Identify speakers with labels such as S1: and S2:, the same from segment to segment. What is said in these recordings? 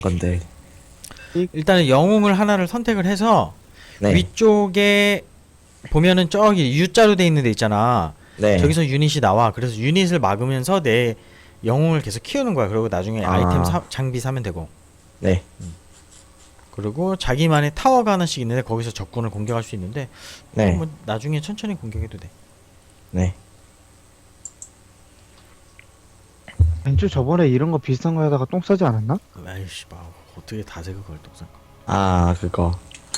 S1: 건데.
S2: 일단은 영웅을 하나를 선택을 해서
S1: 네.
S2: 위쪽에 보면은 저기 U자로 돼 있는 데 있잖아.
S1: 네.
S2: 저기서 유닛이 나와. 그래서 유닛을 막으면서 내 영웅을 계속 키우는 거야. 그리고 나중에 아이템 장비 사면 되고.
S1: 네.
S2: 그리고 자기만의 타워가 하나씩 있는데 거기서 적군을 공격할 수 있는데
S1: 네.
S2: 뭐 나중에 천천히 공격해도 돼.
S1: 네.
S3: 벤츠 저번에 이런 거 비슷한 거 하다가 똥 싸지 않았나?
S2: 아이씨, 어떻게 다세 그걸 또 산?
S1: 아, 그거.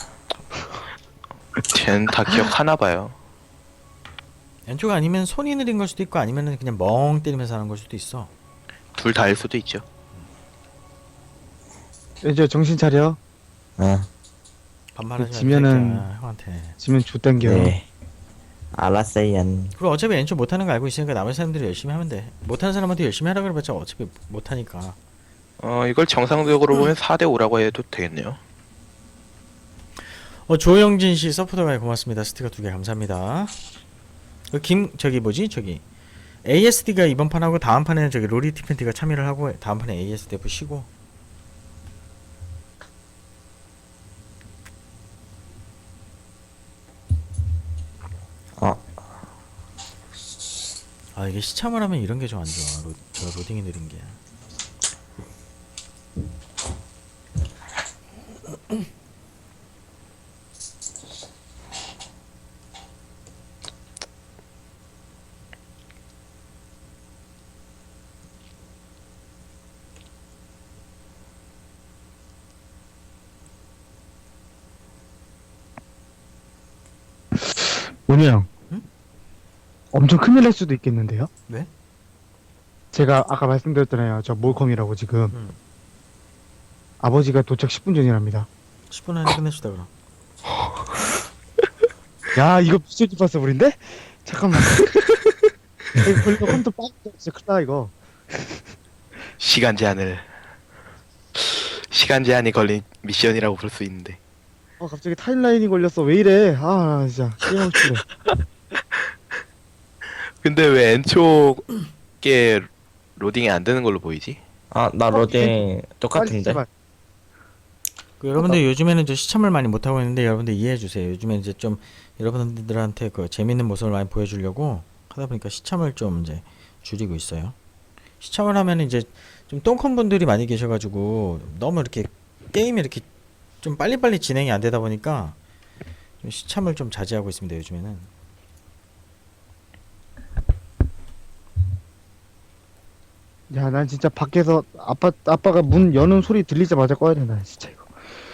S4: 쟤는 다 기억하나 봐요.
S2: 왼쪽 아니면 손이 느린 걸 수도 있고 아니면은 그냥 멍 때리면서 하는 걸 수도 있어.
S4: 둘 다일 수도 있죠.
S3: 이제 정신 차려.
S1: 아,
S2: 반말하지 마.
S3: 지면은-
S2: 이 새끼야, 형한테.
S3: 지면 좆땡겨.
S1: 네. 알았어요.
S2: 그리고 어차피 왼쪽 못하는 거 알고 있으니까 남은 사람들이 열심히 하면 돼. 못하는 사람한테 열심히 하라 그래봤자 어차피 못하니까.
S4: 이걸 정상적으로 보면 4대 5라고 해도 되겠네요.
S2: 조영진 씨 서포터가 고맙습니다. 스티커 2개 감사합니다. 저기 뭐지? 저기 ASD가 이번 판하고 다음 판에는 저기 로리티팬티가 참여를 하고 다음 판에 ASDF 쉬고. 아 이게 시참을 하면 이런 게 좀 안 좋아. 저 로딩이 느린 게.
S3: 문희 형.
S2: 응?
S3: 엄청 큰일 날 수도 있겠는데요?
S2: 왜?
S3: 제가 아까 말씀드렸잖아요. 저 몰컴이라고 지금.
S2: 응.
S3: 아버지가 도착 10분 전이랍니다.
S2: 10분 안에 끝내주다 그럼.
S3: 야, 이거 미쳐지 파서블인데? 잠깐만. 이거 걸리면 컴퓨터 빠졌다. 진짜 큰일 나, 이거.
S4: 시간 제한이 걸린 미션이라고 볼 수 있는데.
S3: 갑자기 타임라인이 걸렸어. 왜 이래? 진짜. 게임하고 싶네.
S4: 근데 왜 N쪽에 로딩이 안 되는 걸로 보이지?
S1: 아, 나 로딩
S3: 빨리
S1: 똑같은데.
S3: 제발.
S2: 여러분들 요즘에는 저 시참을 많이 못 하고 있는데 여러분들 이해해 주세요. 요즘에 이제 좀 여러분들한테 그 재밌는 모습을 많이 보여주려고 하다 보니까 시참을 좀 이제 줄이고 있어요. 시참을 하면 이제 좀 똥컨 분들이 많이 계셔가지고 너무 이렇게 게임이 이렇게 좀 빨리빨리 진행이 안 되다 보니까 좀 시참을 좀 자제하고 있습니다. 요즘에는.
S3: 야, 난 진짜 밖에서 아빠가 문 여는 소리 들리자마자 꺼야 된다. 진짜 이거.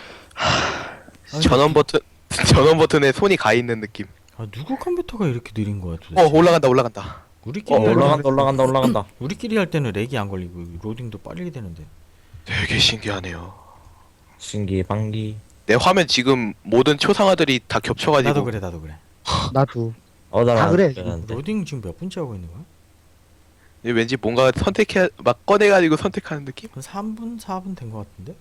S4: 전원 버튼에 손이 가 있는 느낌.
S2: 누구 컴퓨터가 이렇게 느린 거야 도대체?
S4: 올라간다.
S2: 우리끼리
S1: 올라간다.
S2: 우리끼리 할 때는 렉이 안 걸리고 로딩도 빨리 되는데.
S4: 되게 신기하네요.
S1: 신기방기.
S4: 내 화면 지금 모든 초상화들이 다 겹쳐가지고.
S2: 나도 그래.
S3: 나도.
S1: 나랑
S3: 다 그래.
S2: 로딩 지금 몇 분째 하고 있는 거야?
S4: 왠지 뭔가 막 꺼내가지고 선택하는 느낌?
S2: 한 3분, 4분 된 것 같은데?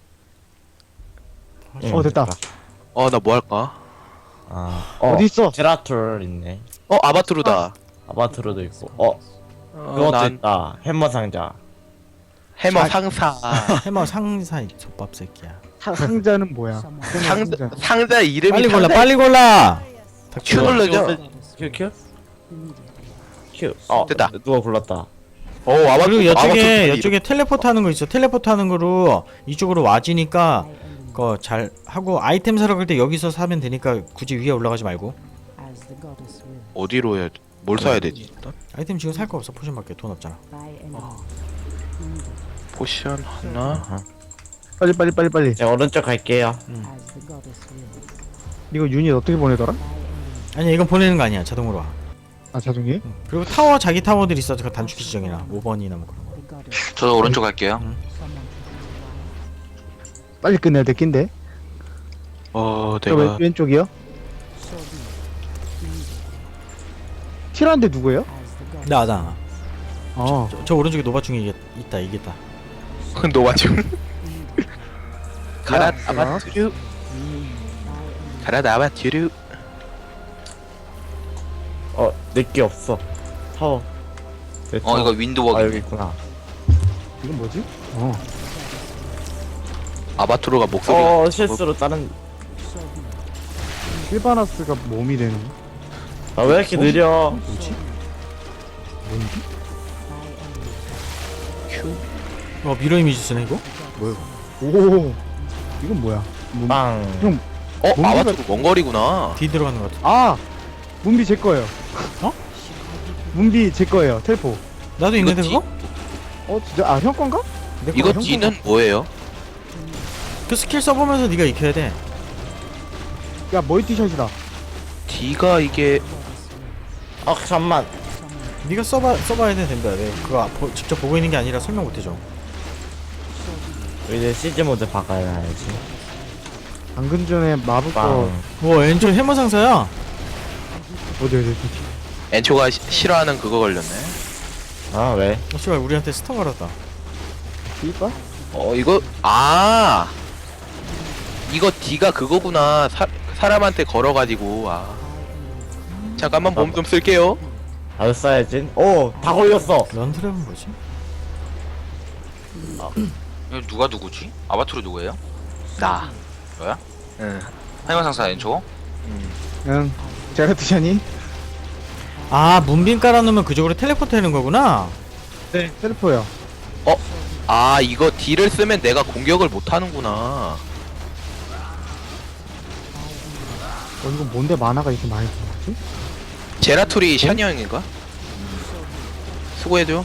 S3: 됐다.
S4: 나 뭐 할까?
S3: 어디 있어?
S1: 제라툴 있네.
S4: 아바투르다.
S1: 아바트로도 있고. 그것도
S4: 난
S1: 있다. 해머 상자.
S4: 해머 상사.
S2: 해머 상사 젖밥 새끼야.
S3: 상자는 뭐야?
S4: 상자 이름이
S2: 빨리 골라.
S4: 큐 눌러줘.
S1: 큐? 큐.
S4: 됐다.
S1: 누가 골랐다.
S2: 그리고
S4: 아바투르
S2: 이쪽에 텔레포트 하는 거 있어. 텔레포트 하는 거로 이쪽으로 와지니까 그거 잘 하고 아이템 사러 갈 때 여기서 사면 되니까 굳이 위에 올라가지 말고.
S4: 어디로 해야 뭘 사야 되지? 일단
S2: 아이템 지금 살 거 없어. 포션밖에 돈 없잖아.
S4: 포션 하나.
S3: 빨리.
S1: 네, 오른쪽 갈게요.
S3: 이거 유닛 어떻게 보내더라?
S2: 아니야 이건 보내는 거 아니야. 자동으로 와.
S3: 자동이?
S2: 그리고 자기 타워들 있어. 그 단축키 지정이나 5번이나 뭐 그런 거.
S5: 저도 오른쪽 갈게요.
S3: 빨리 끝내야 될 낀데.
S4: 내가
S3: 왼쪽이요? 티라인데 누구예요?
S2: 나.
S3: 어.
S2: 저 오른쪽에 노바충이 있다. 이겠다.
S4: 노마중. 가라
S3: 야,
S4: 아바투르. 가라 아바투르.
S1: 내게 없어. 타워. 내 타워.
S5: 이거 윈도우워크.
S1: 여기 있구나.
S3: 이건 뭐지?
S4: 아바투르가 목소리가
S1: 실수로 다른.
S3: 실바나스가 몸이 되는 거?
S1: 아, 왜 이렇게 느려?
S3: 뭐지? 뭔지?
S2: 미러 이미지 쓰네 이거?
S3: 오 이건 뭐야?
S1: 빵.
S3: 형, 뭔가-
S4: 아바투르 원거리구나.
S2: D 들어가는 것 같아.
S3: 아! 문비 제 거예요.
S2: 어?
S3: 문비 제 거예요. 텔포.
S2: 나도 있는데
S4: D?
S2: 그거?
S3: 진짜? 형 건가?
S2: 내
S4: 이거
S2: 거야.
S4: D는 뭐예요?
S2: 그 스킬 써보면서 네가 익혀야 돼.
S3: 야 멀티샷이다.
S4: D가 이게
S1: 잠만.
S2: 네가 써봐야 돼 된다. 내가 그거 직접 보고 있는 게 아니라 설명 못해줘.
S1: 이제 CG 모드 바꿔야지.
S3: 방금 전에 마법 거
S1: 빵.
S2: 뭐 엔조 해머 상사야.
S3: 어디.
S4: 엔초가 싫어하는 그거 걸렸네.
S1: 아, 왜?
S2: 씨발 우리한테 스턴 걸었다.
S3: 이봐?
S4: 이거 이거 D가 그거구나. 사람한테 걸어가지고 잠깐만 몸 좀 쓸게요.
S1: 나도 써야지. 오, 다 걸렸어.
S2: 런트랩은 뭐지?
S5: 이거 누가 누구지? 아바투르 누구예요?
S4: 나.
S5: 너야?
S4: 응.
S5: 하이만상사 엔초?
S3: 응. 제라투샤니?
S2: 아 문빈 깔아놓으면 그쪽으로 텔레포트 하는 거구나.
S3: 네. 텔포요.
S4: 이거 D를 쓰면 내가 공격을 못 하는구나.
S3: 이거 뭔데 만화가 이렇게 많이 들어가지?
S4: 제라툴이 샤니 형인가? 수고해줘.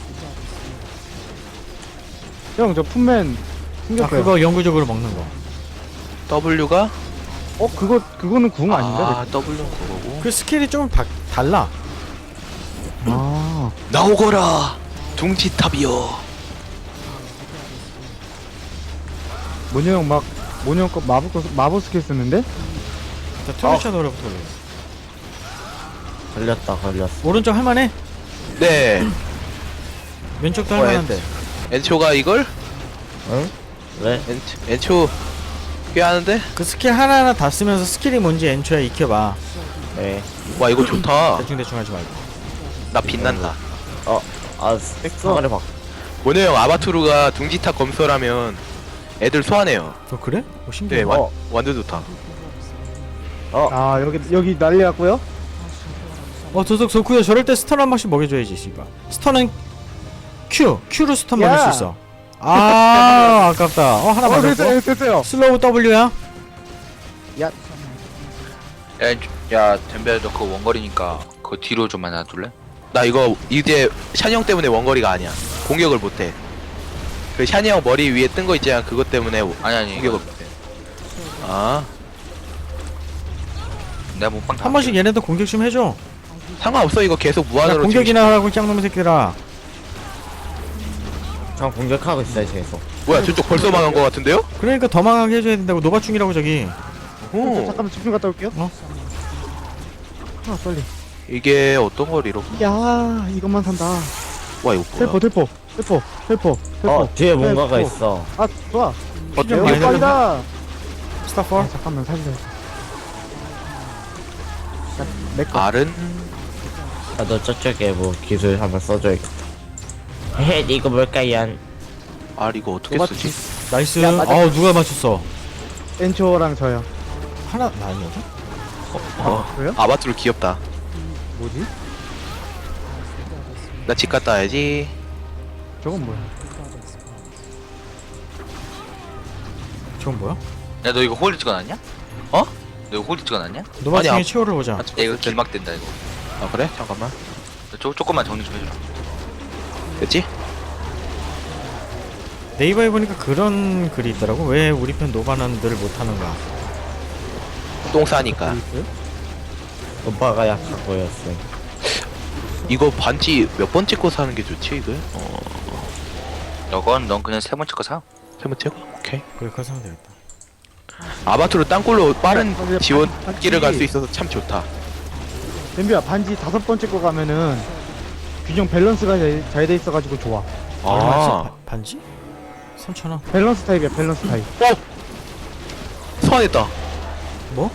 S3: 형, 저 품맨
S2: 아
S3: 생겼어요.
S2: 그거 영구적으로 먹는 거.
S4: W가
S3: 그거는 궁 아닌가?
S4: W는 그거고.
S2: 그 스킬이 좀 달라.
S3: 아,
S4: 나오거라. 둥지탑이여.
S3: 모녀형 모녀형 거 마법 스킬 쓰는데?
S2: 자 트루샤 노래부터 올려.
S1: 걸렸어.
S2: 오른쪽 할만해?
S4: 네.
S2: 왼쪽도 할만한데.
S4: 엔초가 이걸?
S1: 응? 왜?
S4: 엔초 꽤 하는데?
S2: 그 스킬 하나하나 다 쓰면서 스킬이 뭔지 엔초야 익혀봐.
S1: 네.
S4: 와 이거 좋다.
S2: 대충 하지 말고.
S4: 나 빛난다.
S1: 스펙사를 바.
S4: 모녀 형 아바투르가 둥지탑 검설하면 애들 소환해요.
S2: 그래? 신기해.
S4: 네, 완전 좋다.
S3: 아, 여기 난리 났고요.
S2: 도석 좋구요. 저럴 때 스턴 한 번씩 먹여줘야지 씨발. 스턴은 Q로 스턴
S3: 야!
S2: 먹일 수 있어. 아 아깝다. 하나 맞았고.
S3: 됐어요.
S2: 슬로우 W야.
S5: 야 덴베 너 그거 원거리니까 그거 뒤로 좀 만나줄래?
S4: 나 이거 이제 샤니 형 때문에 원거리가 아니야. 공격을 못해. 그 샤니 형 머리 위에 뜬 거 있잖아. 그것 때문에
S5: 아니
S4: 공격을 못해.
S5: 내가 몸빵 다
S2: 한 번씩 얘네도 공격 좀 해줘.
S4: 상관없어. 이거 계속
S2: 야,
S4: 무한으로
S2: 공격이나 하라고 짱놈의 새끼들아.
S1: 전 공격하고 있어요, 계속.
S4: 뭐야 저쪽 벌써 망한 거 같은데요?
S2: 그러니까 더 망하게 해줘야 된다고. 노바충이라고 저기.
S4: 오.
S3: 잠깐만 집중 갔다 올게요. 빨리.
S4: 이게 어떤 거리로?
S3: 야, 이것만 산다.
S4: 와 이거 뭐야?
S3: 텔포.
S1: 뒤에 뭔가가
S3: 텔포.
S1: 있어.
S3: 아, 좋아.
S2: 좀
S3: 여기
S2: 많이
S3: 빨리다.
S2: 스타폴.
S3: 잠깐만 살려. 내거.
S4: R은
S1: 너 저쪽에 뭐 기술 한번 써줘야겠다. 헤헤, 이거 뭘까요?
S4: R 이거 어떻게
S3: 누가
S4: 쓰지?
S2: 나이스.
S3: 야, 맞아.
S2: 누가 맞췄어?
S3: 엔초랑 저요.
S2: 하나 나 아니었나?
S3: 그래요?
S4: 아바투르 귀엽다.
S3: 뭐지?
S4: 나 집 갔다 와야지.
S3: 저건 뭐야?
S2: 저건 뭐야?
S5: 야너 이거 홀드 찍어놨냐?
S4: 어?
S5: 너 이거 홀드 찍어놨냐? 야
S2: 노바충의
S4: 아니,
S2: 치호를 보자.
S5: 이거 길막된다 이거
S4: 아 그래? 잠깐만.
S5: 조금만 정리 좀 해주라.
S4: 됐지?
S2: 네이버에 보니까 그런 글이 있더라고. 왜 우리 편 노바는 늘 못하는가?
S4: 똥 싸니까.
S3: 있어요?
S1: 오빠가 약해 보였어.
S4: 이거 반지 몇 번 찍고 사는 게 좋지 이거?
S5: 너건 넌 그냥 세 번째 거 사.
S4: 세 번째? 오케이.
S2: 그래 그거 사면 되겠다.
S4: 아바투르 땅굴로 빠른
S3: 근데
S4: 지원길을
S3: 반지-
S4: 갈 수 있어서 참 좋다.
S3: 덤비야 반지 5번째 거 가면은 균형 밸런스가 잘 돼 있어가지고 좋아.
S2: 얼마지? 반지? 3,000원.
S3: 밸런스 타입이야 밸런스 타입.
S4: 소환했다.
S2: 뭐?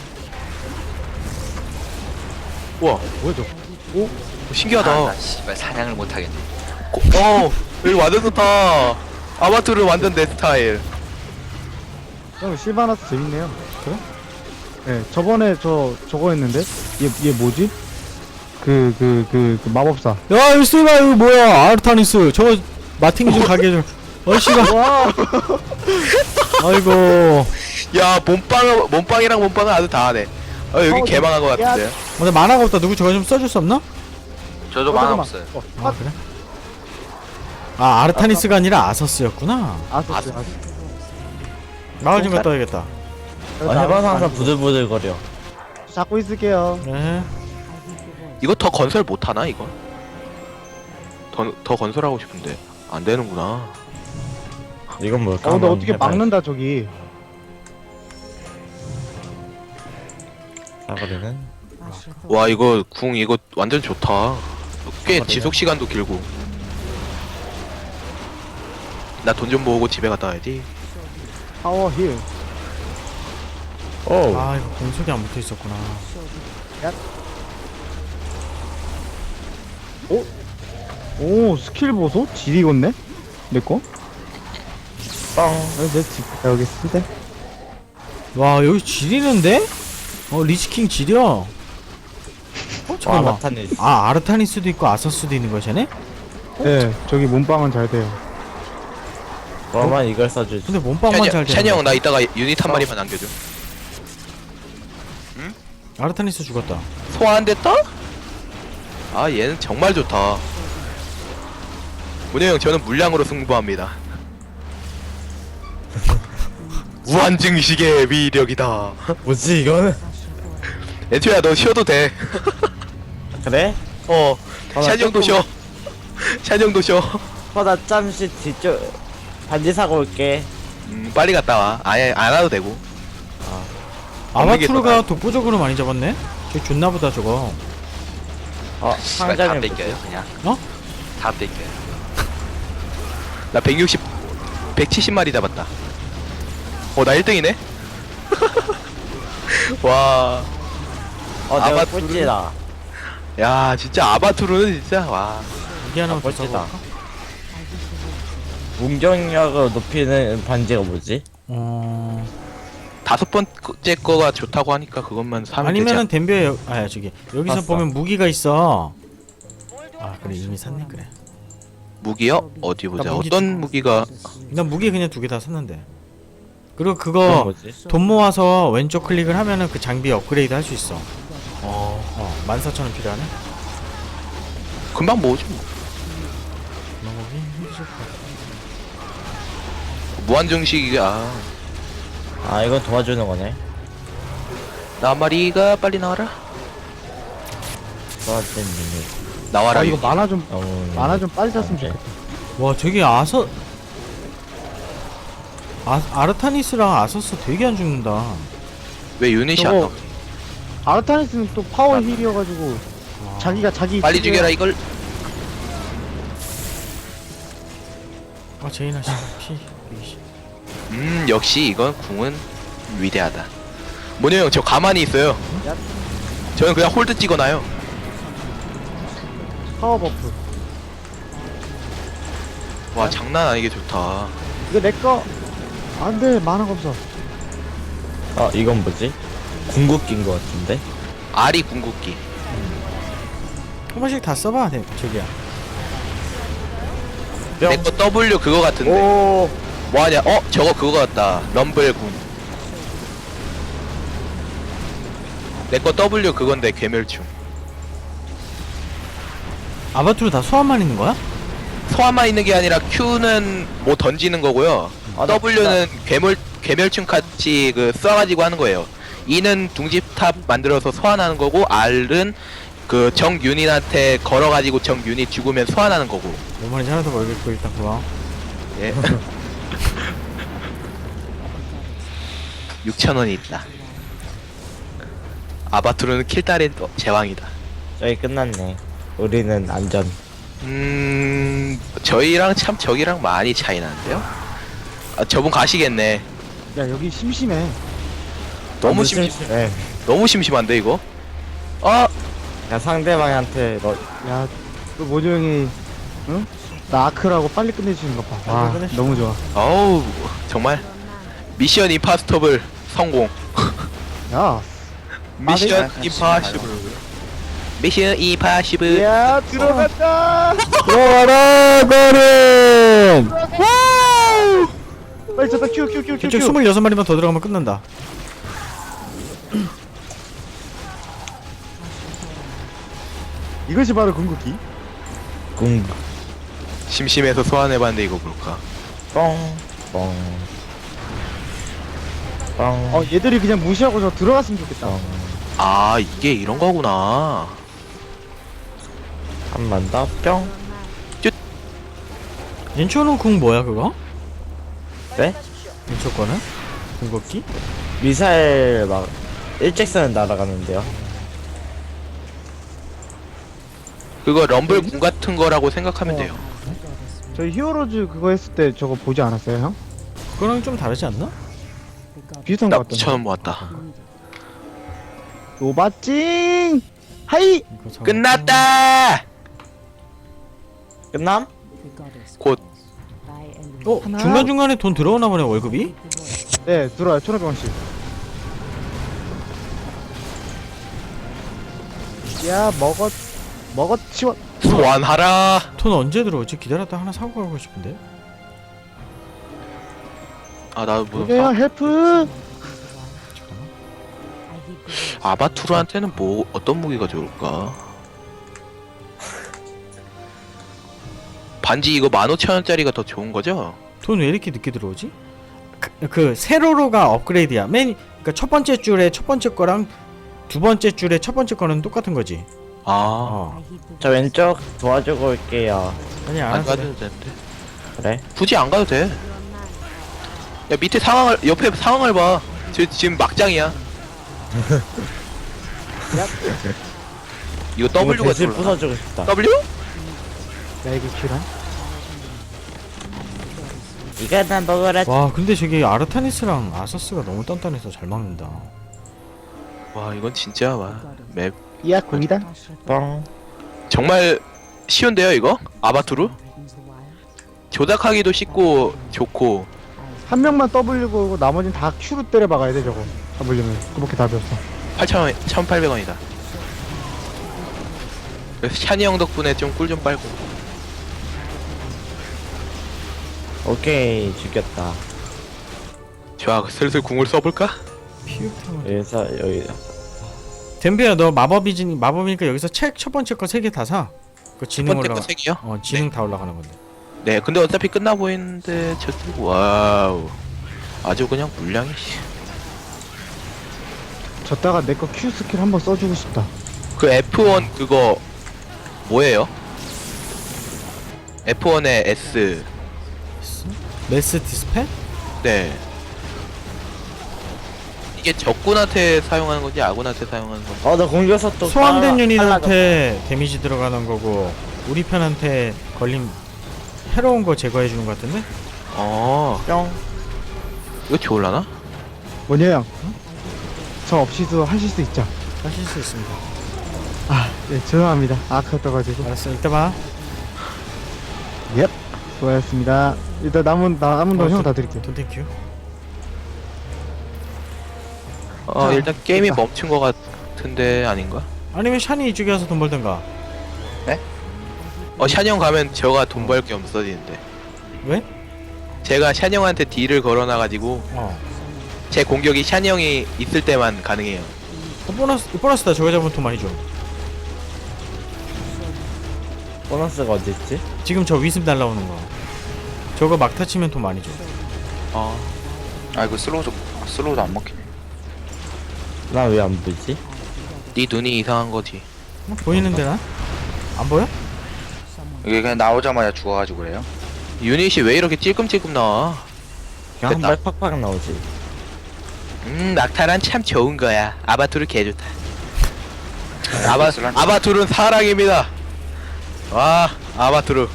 S4: 우와
S3: 뭐야 저?
S4: 신기하다.
S5: 나 씨발 사냥을 못 하겠네.
S4: 여기 완전 좋다. 아바투르 완전 내 스타일.
S3: 형 실바나스 재밌네요.
S2: 그래?
S3: 네, 저번에 저거 했는데 얘 뭐지? 그 마법사.
S2: 야 이거 쓰바 이거 뭐야 아르타니스 저거 마팅이 좀 가게 좀 어이씨가
S3: 와,
S2: 아이고
S4: 야 몸빵이랑 몸빵은 아주 다 하네. 여기 개망한 것 같은데.
S2: 근데 만화가 없다 누구 저거 좀 써줄 수 없나?
S5: 저도 만화 없어요.
S2: 아 그래? 아 아르타니스가 아니라 아서스였구나
S3: 아서스.
S2: 마을 좀 갔다 와야겠다
S1: 해봐서 항상 부들부들거려.
S3: 잡고 있을게요.
S2: 네
S4: 이거 더 건설 못 하나 이거? 더 건설하고 싶은데 안 되는구나.
S1: 이건 뭘까?
S3: 근데
S1: 한번
S3: 어떻게
S1: 해봐야지.
S3: 막는다 저기.
S1: 사거리는
S4: 와 이거 궁 이거 완전 좋다. 꽤 지속 시간도 길고. 나 돈 좀 모으고 집에 갔다 와야지.
S3: 파워 힐.
S1: 오.
S2: 아 이거 공속이 안 붙어 있었구나
S3: 오 스킬 보소? 질 익었네? 내 거?
S1: 빵.
S3: 내집 갔다 오겠습니다.
S2: 와 여기 지리는데? 리치킹 지려
S1: 와
S2: 잠깐만
S1: 나타내.
S2: 아 아르타니스도 있고 아서스도 있는 거야 쟤네?
S3: 네, 저기 몸빵은 잘 돼요.
S1: 그러면 이걸 써주지.
S2: 근데 몸빵만 잘
S4: 찬이
S2: 되는
S4: 형 나 이따가 유닛 한 마리만 남겨줘.
S2: 아르타니스 죽었다
S4: 소화 안 됐다? 아 얘는 정말 좋다. 문효 형 저는 물량으로 승부합니다. 무한증식의 위력이다.
S1: 뭐지 이거는?
S4: 애초야 너 쉬어도 돼.
S1: 그래?
S4: 찬이 형도 쉬어. 찬이 형도 쉬어.
S1: 나 잠시 뒤쪽 반지 사고 올게.
S4: 빨리 갔다 와. 아예 안 와도 되고.
S2: 아바투르가 독보적으로 많이 잡았네? 저 좋나보다 저거
S5: 다
S1: 상점에
S5: 뺏겨요 그냥.
S2: 어?
S5: 다 뺏겨요.
S4: 나 170마리 잡았다. 나 1등이네? 와.
S1: 내가
S4: 아바투르.
S1: 꼴찌다.
S4: 야, 진짜 아바투르는 진짜, 와.
S2: 이게 하나만 더
S1: 멋지다.
S2: 써볼까?
S1: 문경력을 높이는 반지가 뭐지?
S4: 5번째 거가 좋다고 하니까 그것만 사면
S2: 아니면은
S4: 되지.
S2: 덴벼에 저기 여기서
S1: 샀어.
S2: 보면 무기가 있어 아 그래 이미 샀네 그래
S4: 무기요? 어디 보자.
S2: 나 무기
S4: 어떤 무기가.
S2: 난 무기 그냥 2개 다 샀는데 그리고
S1: 그건
S2: 그거
S1: 뭐지?
S2: 돈 모아서 왼쪽 클릭을 하면은 그 장비 업그레이드 할 수 있어 14,000원 필요하네
S4: 금방 모으지 뭐.
S2: 먹어보기 힘드실 것 같아
S4: 무한정식이야.
S1: 이건 도와주는 거네.
S4: 나마리가 빨리 나와라.
S1: 도와주는 유닛.
S4: 나와라.
S3: 이거
S4: 유닛.
S3: 만화 좀 빨리 잤으면 좋겠다.
S2: 와 저기 아르타니스랑 아서스 되게 안 죽는다
S4: 왜 유닛이 안
S3: 저거
S4: 나와?
S3: 아르타니스는 또 파워 힐이어가지고 자기가 자기
S4: 빨리
S3: 힐을-
S4: 죽여라 이걸.
S2: 제이나 씨피 120.
S4: 역시 이건 궁은 위대하다. 모녀 형, 저 가만히 있어요. 저는 그냥 홀드 찍어놔요.
S3: 파워 버프.
S4: 와, 장난 아니게 좋다.
S3: 이거 내 거. 안돼 만화가 없어.
S1: 이건 뭐지? 궁극기인 거 같은데?
S4: 알이 궁극기.
S2: 한 번씩 다 써봐 저기야
S4: 내 거 W 그거 같은데.
S1: 오.
S4: 뭐하냐? 저거 그거 같다. 럼블 군. 내 거 W 그건데 괴멸충.
S2: 아바투르 다 소환만 있는 거야?
S4: 소환만 있는 게 아니라 Q는 뭐 던지는 거고요.
S1: 나
S4: W는 괴멸충 같이 그 쏴가지고 하는 거예요. E는 둥지탑 만들어서 소환하는 거고, R은 그 정 유닛한테 걸어가지고 정 유닛 죽으면 소환하는 거고.
S2: 뭔 말인지 하나도 모르겠고 일단 고마워
S4: 예. 6,000원이 있다. 아바투르는 킬달의 제왕이다.
S1: 저기 끝났네. 우리는 안전.
S4: 저희랑 참 저기랑 많이 차이 나는데요? 저분 가시겠네.
S3: 야 여기 심심해.
S4: 너무
S1: 심심해.
S4: 너무 심심한데 이거?
S1: 야 상대방한테
S3: 야, 또 모조 형이 응? 나 아크라고 빨리 끝내주는 것 봐. 와,
S2: 빨리 끝내주자.
S3: 너무 좋아.
S4: 어우 정말 미션 임파스터블 성공.
S3: 야,
S4: 미션
S5: 그냥
S4: 임파시블. 미션 임파시블.
S3: 야 들어갔다.
S2: 들어가라 거른.
S3: 빨리 저다 큐.
S2: 저쪽 26마리만 더 들어가면 끝난다.
S3: 이것이 바로 궁극기.
S1: 궁
S4: 심심해서 소환해봤는데 이거 볼까?
S1: 뻥뻥
S3: 얘들이 그냥 무시하고 저 들어갔으면 좋겠다.
S4: 아 이게 이런 거구나.
S1: 한 번 더 뿅.
S2: 인초는 궁 뭐야 그거?
S1: 네?
S2: 인초 거는? 궁극기?
S1: 미사일 막 일직선을 날아가는데요.
S4: 그거 럼블 궁 같은 거라고 생각하면 돼요.
S3: 저희 히어로즈 그거 했을 때 저거 보지 않았어요, 형?
S2: 그거랑 좀 다르지 않나?
S3: 비슷한 거 같던데.
S4: 처음 왔다.
S3: 노바찡 하이.
S2: 이거 잠깐-
S4: 끝났다.
S1: 끝남?
S4: 곧
S3: 하나.
S2: 중간중간에 돈 들어오나 보네 월급이?
S3: 네 들어와요 1,500원씩. 야 먹어 치워.
S4: 소환하라.
S2: 돈 언제 들어오지? 기다렸다 하나 사고 가고 싶은데?
S4: 아 나도 뭐
S3: 그래요 헬프.
S2: 잠깐만.
S4: 아바투르한테는 뭐 어떤 무기가 좋을까? 반지 이거 15,000원짜리가 더 좋은 거죠?
S2: 돈 왜 이렇게 늦게 들어오지? 그 세로로가 업그레이드야. 그러니까 첫 번째 줄에 첫 번째 거랑 두 번째 줄에 첫 번째 거는 똑같은 거지.
S4: 아,
S2: 어.
S1: 저 왼쪽 도와주고 올게요.
S2: 아니
S4: 안
S2: 알았어.
S4: 가도 되는데.
S1: 그래?
S4: 굳이 안 가도 돼. 야 밑에 상황을 옆에 상황을 봐. 지금 막장이야. 이거
S1: 이거
S4: W가
S1: 대실
S4: 들어오나?
S1: 부숴주고 싶다.
S4: W?
S3: 야 이게 큐란?
S1: 이거 나 먹어라.
S2: 와 근데 저기 아르타니스랑 아서스가 너무 단단해서 잘 막는다.
S4: 와 이건 진짜 맵
S3: 야 공이다.
S1: 뻥.
S4: 정말 쉬운데요 이거? 아바투르? 조작하기도 쉽고 좋고.
S3: 한 명만 W 고고 나머지는 다 Q로 때려 박아야 돼 저거. 잡으려면 그렇게 답이었어.
S4: 8,000원, 1,800원이다. 그래서 샤니 형 덕분에 좀 꿀 좀 빨고.
S1: 오케이 죽였다.
S4: 좋아, 슬슬 궁을 써볼까?
S2: 피육탕을.
S1: 여기서 여기
S2: 덴비야 너 마법이니까 여기서 책 첫 번째 거 3개 다 사. 그
S4: 첫
S2: 지능
S4: 번째 거
S2: 올라가.
S4: 3개요?
S2: 어 지능 다 올라가는 건데.
S4: 네, 근데 어차피 끝나 보이는데 와우, 아주 그냥 물량이.
S3: 졌다가 내 거 Q 스킬 한번 써주고 싶다.
S4: 그 F1 그거 뭐예요? F1의 S.
S2: 메스 디스펠?
S4: 네. 이게 적군한테 사용하는 건지 아군한테 사용하는 건지.
S1: 나 공격서 또
S2: 소환된 유닛한테 데미지 들어가는 거고 우리 편한테 걸림 해로운 거 제거해 주는 거 같은데?
S1: 뿅.
S4: 이거 좋을라나?
S3: 뭐냐 형? 저 없이도 하실 수 있죠?
S2: 하실 수 있습니다.
S3: 네 죄송합니다. 아까 떠가지고.
S2: 알았어 이따 봐.
S3: 예. 수고하셨습니다. 일단 남은 돈 형 다 드릴게요.
S2: 돈 땡큐.
S4: 일단 게임이
S3: 됐다.
S4: 멈춘 것 같은데 아닌가?
S2: 아니면 샤니 이쪽에 와서 돈 벌든가.
S4: 샤니 형 가면 제가 돈 벌 게 없어지는데.
S2: 왜?
S4: 제가 샤니 형한테 딜을 걸어놔가지고 제 공격이 샤니 형이 있을 때만 가능해요.
S2: 보너스다. 저거 잡으면 돈 많이 줘.
S1: 보너스가 어딨지?
S2: 지금 저 위습 날라오는 거. 저거 막타 치면 돈 많이 줘.
S5: 아 이거 슬로우도 안 먹히네.
S1: 나 왜 안 보지?
S4: 네 눈이 이상한 거지.
S2: 보이는데 나? 안 보여?
S5: 이게 그냥 나오자마자 죽어가지고 그래요?
S4: 유닛이 왜 이렇게 찔끔찔끔 나와?
S1: 그냥
S4: 됐다.
S1: 한 발 팍팍 나오지.
S4: 낙타란 참 좋은 거야. 아바투르 개좋다.
S5: 슬란-
S4: 아바투르는 사랑입니다. 와, 아바투르.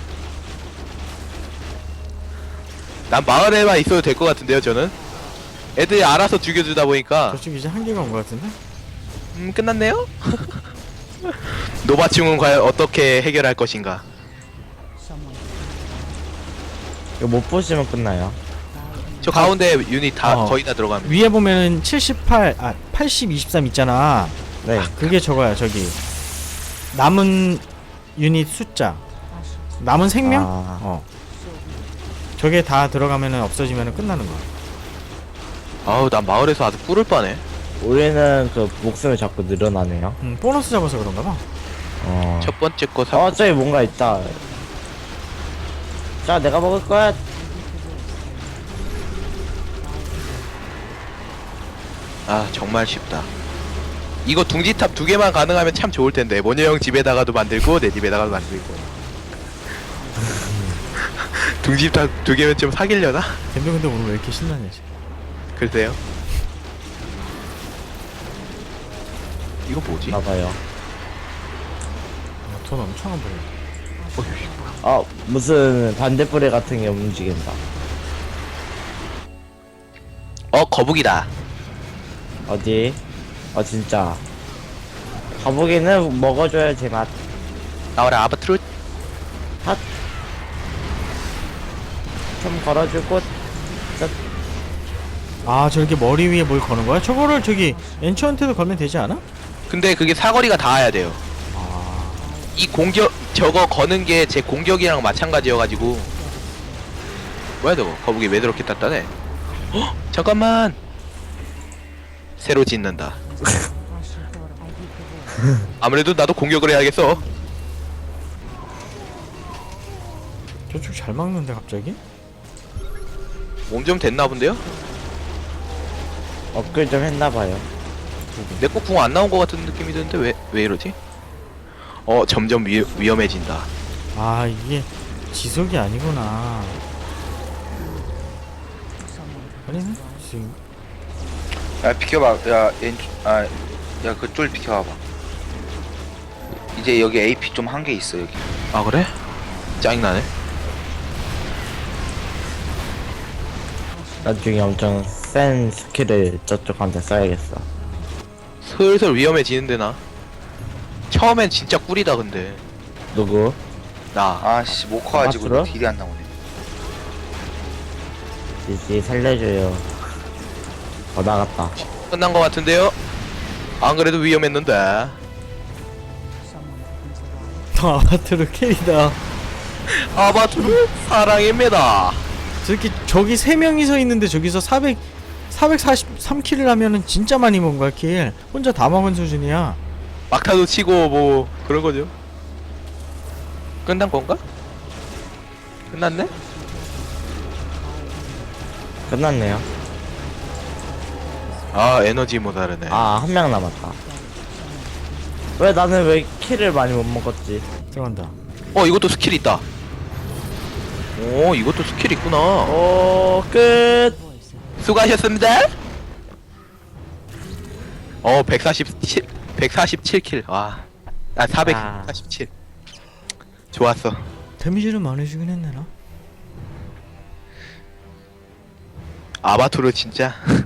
S4: 난 마을에만 있어도 될 것 같은데요, 저는. 애들이 알아서 죽여주다 보니까
S2: 저쪽 이제 한계가 온 거 같은데?
S4: 끝났네요. 노바충은 과연 어떻게 해결할 것인가?
S1: 이거 못 보시면 끝나요.
S4: 저 가운데 유닛 다
S2: 어.
S4: 거의 다 들어가면
S2: 위에 보면은 80 23 있잖아.
S1: 네.
S2: 그게 저거야. 저기 남은 유닛 숫자, 남은 생명.
S1: 아,
S2: 저게 다 들어가면은 없어지면은 끝나는 거야.
S4: 아우 난 마을에서 아주 꿀을 빠네.
S1: 우리는 그 목숨이 자꾸 늘어나네요.
S2: 보너스 잡아서 그런가 봐.
S4: 첫 번째 거 사.
S1: 저기 뭔가 있다. 자, 내가 먹을 거야.
S4: 아 정말 쉽다. 이거 둥지탑 2개만 가능하면 참 좋을 텐데. 모녀 형 집에다가도 만들고 내 집에다가도 만들고. 둥지탑 2개면 좀 사길려나?
S2: 근데 오늘 왜 이렇게 신나냐 지금.
S4: 글쎄요. 이거 뭐지?
S1: 나봐요.
S2: 돈 엄청 안 벌려.
S1: 무슨 반대뿌리 같은 게 움직인다.
S4: 거북이다.
S1: 어디? 진짜. 거북이는 먹어줘야 제맛.
S4: 나와라 아바트루.
S1: 좀 걸어주고.
S2: 아 저렇게 머리 위에 뭘 거는 거야? 저거를 저기 엔처한테도 걸면 되지 않아?
S4: 근데 그게 사거리가 닿아야 돼요. 이 공격 저거 거는 게 제 공격이랑 마찬가지여가지고. 뭐야 저거? 거북이 왜 저렇게 단단해? 헉! 잠깐만. 새로 짓는다. 아무래도 나도 공격을 해야겠어.
S2: 저쪽 잘 막는데 갑자기?
S4: 몸 좀 됐나 본데요?
S1: 업글 좀 했나봐요.
S4: 내 거 궁 안 나온 것 같은 느낌이 드는데 왜 이러지? 점점 위험해진다.
S2: 아 이게 지속이 아니구나. 아니네 지금.
S5: 야 비켜봐. 야 그쫄 비켜봐봐. 이제 여기 AP 좀 한 개 있어 여기.
S4: 아 그래? 짜증나네.
S1: 나중에 엄청 센 스킬을 저쪽한테 써야겠어.
S4: 슬슬 위험해지는데 나. 처음엔 진짜 꿀이다 근데.
S1: 누구?
S4: 나.
S5: 아씨 못 커가지고
S1: 맞추러?
S5: 딜이 안 나오네.
S1: 지지 살려줘요. 나갔다.
S4: 끝난 것 같은데요? 안 그래도 위험했는데.
S2: 아바트로 캐리다.
S4: 아바투르 사랑입니다.
S2: 저렇게 저기 3명이 서 있는데 저기서 443킬을 하면은 진짜 많이 먹은 거야 킬. 혼자 다 먹은 수준이야.
S4: 막타도 치고 뭐 그런 거죠. 끝난 건가? 끝났네?
S1: 끝났네요.
S4: 아 에너지 모자르네.
S1: 한 명 남았다. 왜 나는 왜 킬을 많이 못 먹었지?
S2: 들어간다.
S4: 이것도 스킬 있다. 오 이것도 스킬 있구나.
S1: 끝.
S4: 수고하셨습니다. 147킬. 와. 447. 좋았어.
S2: 데미지를 많이 주긴 했네 나.
S4: 아바투르 진짜